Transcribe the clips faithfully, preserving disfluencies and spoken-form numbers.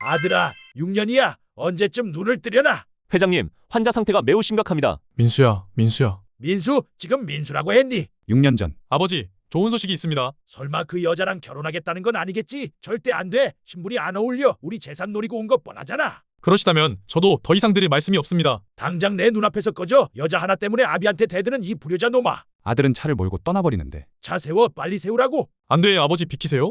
아들아, 육 년이야. 언제쯤 눈을 뜨려나? 회장님, 환자 상태가 매우 심각합니다. 민수야, 민수야. 민수, 지금 민수라고 했니? 육 년 전 아버지, 좋은 소식이 있습니다. 설마 그 여자랑 결혼하겠다는 건 아니겠지? 절대 안 돼. 신분이 안 어울려. 우리 재산 노리고 온 거 뻔하잖아. 그러시다면 저도 더 이상 드릴 말씀이 없습니다. 당장 내 눈앞에서 꺼져. 여자 하나 때문에 아비한테 대드는 이 불효자 놈아. 아들은 차를 몰고 떠나버리는데 차 세워, 빨리 세우라고. 안 돼, 아버지 비키세요.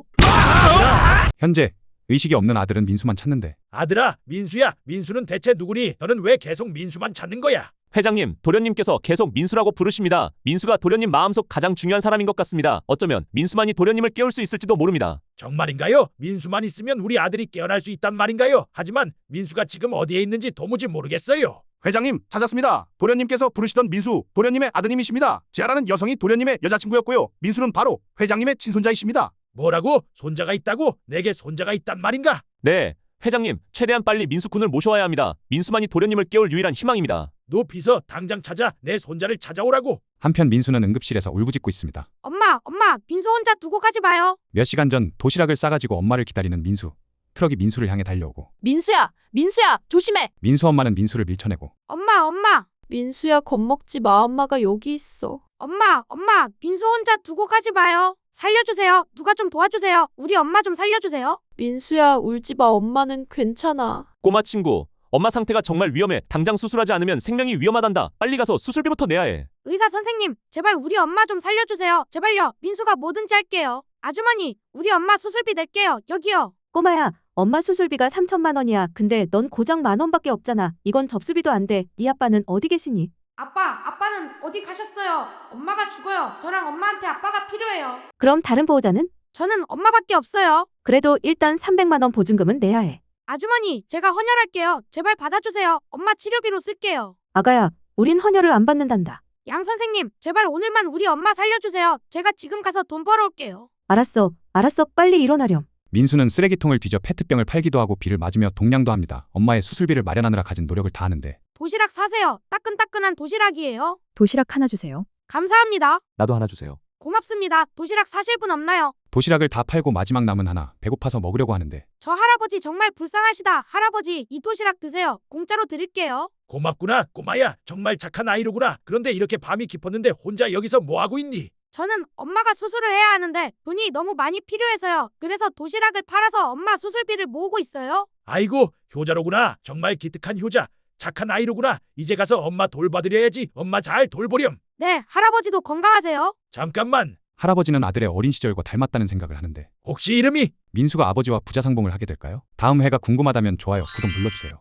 현재 의식이 없는 아들은 민수만 찾는데 아들아, 민수야. 민수는 대체 누구니? 너는 왜 계속 민수만 찾는 거야? 회장님, 도련님께서 계속 민수라고 부르십니다. 민수가 도련님 마음속 가장 중요한 사람인 것 같습니다. 어쩌면 민수만이 도련님을 깨울 수 있을지도 모릅니다. 정말인가요? 민수만 있으면 우리 아들이 깨어날 수 있단 말인가요? 하지만 민수가 지금 어디에 있는지 도무지 모르겠어요. 회장님, 찾았습니다. 도련님께서 부르시던 민수, 도련님의 아드님이십니다. 지아라는 여성이 도련님의 여자친구였고요. 민수는 바로 회장님의 친손자이십니다. 뭐라고? 손자가 있다고? 내게 손자가 있단 말인가? 네, 회장님, 최대한 빨리 민수 군을 모셔와야 합니다. 민수만이 도련님을 깨울 유일한 희망입니다. 높이서 당장 찾아 내 손자를 찾아오라고. 한편 민수는 응급실에서 울부짖고 있습니다. 엄마, 엄마, 민수 혼자 두고 가지 마요. 몇 시간 전 도시락을 싸가지고 엄마를 기다리는 민수. 트럭이 민수를 향해 달려오고 민수야, 민수야, 조심해. 민수 엄마는 민수를 밀쳐내고 엄마, 엄마, 민수야, 겁먹지 마. 엄마가 여기 있어. 엄마, 엄마, 민수 혼자 두고 가지 마요. 살려주세요. 누가 좀 도와주세요. 우리 엄마 좀 살려주세요. 민수야, 울지 마. 엄마는 괜찮아. 꼬마 친구, 엄마 상태가 정말 위험해. 당장 수술하지 않으면 생명이 위험하단다. 빨리 가서 수술비부터 내야 해. 의사 선생님, 제발 우리 엄마 좀 살려주세요. 제발요. 민수가 뭐든지 할게요. 아주머니, 우리 엄마 수술비 낼게요. 여기요. 꼬마야, 엄마 수술비가 삼천만 원이야. 근데 넌 고작 만 원밖에 없잖아. 이건 접수비도 안 돼. 네 아빠는 어디 계시니? 아빠, 아빠는 어디 가셨어요? 엄마가 죽어요. 저랑 엄마한테 아빠가 필요해요. 그럼 다른 보호자는? 저는 엄마밖에 없어요. 그래도 일단 삼백만 원 보증금은 내야 해. 아주머니, 제가 헌혈할게요. 제발 받아주세요. 엄마 치료비로 쓸게요. 아가야, 우린 헌혈을 안 받는단다. 양 선생님, 제발 오늘만 우리 엄마 살려주세요. 제가 지금 가서 돈 벌어올게요. 알았어, 알았어. 빨리 일어나렴. 민수는 쓰레기통을 뒤져 페트병을 팔기도 하고 비를 맞으며 동냥도 합니다. 엄마의 수술비를 마련하느라 가진 노력을 다하는데 도시락 사세요. 따끈따끈한 도시락이에요. 도시락 하나 주세요. 감사합니다. 나도 하나 주세요. 고맙습니다. 도시락 사실 분 없나요? 도시락을 다 팔고 마지막 남은 하나 배고파서 먹으려고 하는데 저 할아버지 정말 불쌍하시다. 할아버지, 이 도시락 드세요. 공짜로 드릴게요. 고맙구나, 꼬마야. 정말 착한 아이로구나. 그런데 이렇게 밤이 깊었는데 혼자 여기서 뭐하고 있니? 저는 엄마가 수술을 해야 하는데 돈이 너무 많이 필요해서요. 그래서 도시락을 팔아서 엄마 수술비를 모으고 있어요. 아이고, 효자로구나. 정말 기특한 효자. 착한 아이로구나. 이제 가서 엄마 돌봐드려야지. 엄마 잘 돌보렴. 네, 할아버지도 건강하세요. 잠깐만. 할아버지는 아들의 어린 시절과 닮았다는 생각을 하는데 혹시 이름이? 민수가 아버지와 부자 상봉을 하게 될까요? 다음 회가 궁금하다면 좋아요, 구독 눌러주세요.